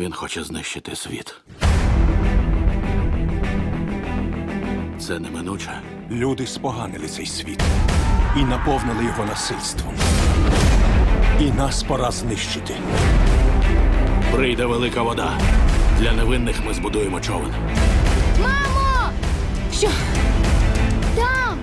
Він хоче знищити світ. Це неминуче. Люди споганили цей світ і наповнили його насильством. І нас пора знищити. Прийде велика вода. Для невинних ми збудуємо човен. Мамо! Що? Там!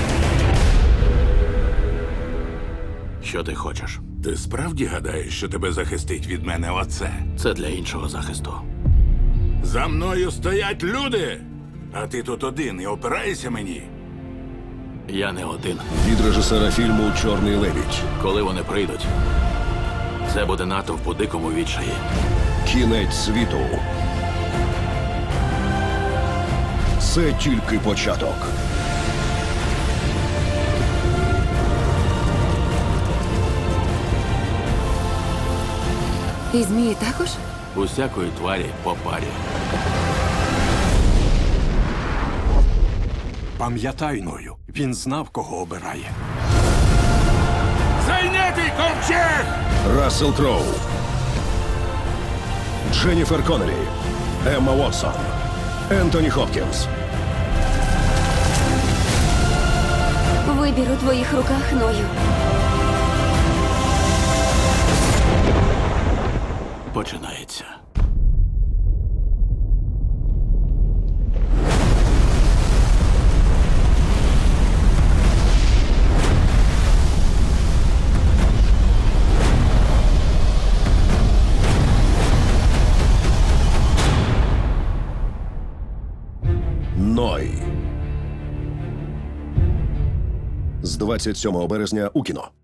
Що ти хочеш? Ти справді гадаєш, що тебе захистить від мене оце? Це для іншого захисту. За мною стоять люди! А ти тут один і опираєшся мені? Я не один. Від режисера фільму «Чорний лебідь». Коли вони прийдуть, це буде натовп у дикому відчаї. Кінець світу. Це тільки початок. І змії також? Усякої тварі по парі. Пам'ятай, Ною, він знав, кого обирає. Зайнятий ковчег! Рассел Кроу. Дженніфер Коннелі. Емма Уотсон. Ентоні Хопкінс. Вибір у твоїх руках, Ною. Починається. Ной. З 27 березня у кіно.